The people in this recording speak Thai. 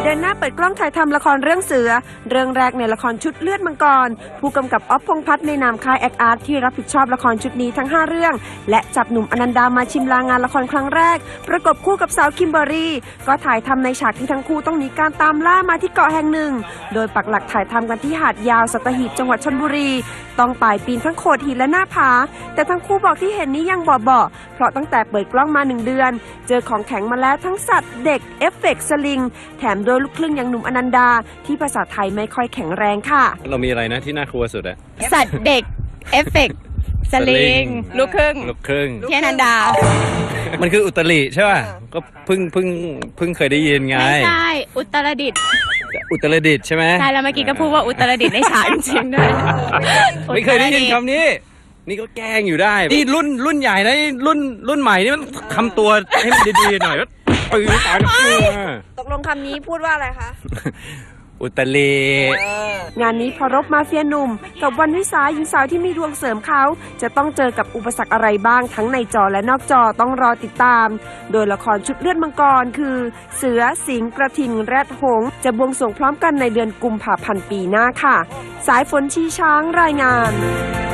เดินหน้าเปิดกล้องถ่ายทำละครเรื่องเสือเรื่องแรกในละครชุดเลือดมังกรผู้กำกับอ๊อฟพงษ์พัฒน์ในนามค่ายแอคอาร์ตที่รับผิดชอบละครชุดนี้ทั้ง5เรื่องและจับหนุ่มอนันดามาชิมลางานละครครั้งแรกประกบคู่กับสาวคิมเบอร์รี่ก็ถ่ายทำในฉากที่ทั้งคู่ต้องหนีการตามล่ามาที่เกาะแห่งหนึ่งโดยปักหลักถ่ายทำกันที่หาดยาวสัตหีบจังหวัดชลบุรีต้องป่ายปีนทั้งโขดหินและหน้าผาแต่ทั้งคู่บอกที่เห็นนี้ยังเบาๆเพราะตั้งแต่เปิดกล้องมา1 เดือนเจอของแข็งมาแล้วทั้งสัตว์เด็กเอฟเฟกต์สลิงแถมโดยลูกครึ่งอย่างหนุ่มอนันดาที่ภาษาไทยไม่ค่อยแข็งแรงค่ะเรามีอะไรนะที่น่ากลัวสุดอะสัตว์เด็กเอฟเฟกต์สลิงลูกครึ่งที่อนันดามันคืออุตริใช่ป่ะก็เพิ่งเคยได้ยินไงไม่ใช่อุตรดิตถ์ใช่ไหมใช่แล้วเมื่อกี้ก็พูดว่าอุตรดิตถ์ในฉากจริงๆด้วยไม่เคยได้ยินคำนี้นี่ก็แกล้งอยู่ได้นี่รุ่นใหญ่นะรุ่นใหม่นี่มันทำตัวให้มันดีๆหน่อยก็ปืนตายตกลงคำนี้พูดว่าอะไรคะอุตริงานนี้พอรบมาเฟียหนุ่มกับวันวิสาหญิงสาวที่มีดวงเสริมเขาจะต้องเจอกับอุปสรรคอะไรบ้างทั้งในจอและนอกจอต้องรอติดตามโดยละครชุดเลือดมังกรคือเสือสิงห์กระทิงแรดหงส์จะบวงสรวงพร้อมกันในเดือนกุมภาพันธ์ปีหน้าค่ะสายฝนชีช้างรายงาน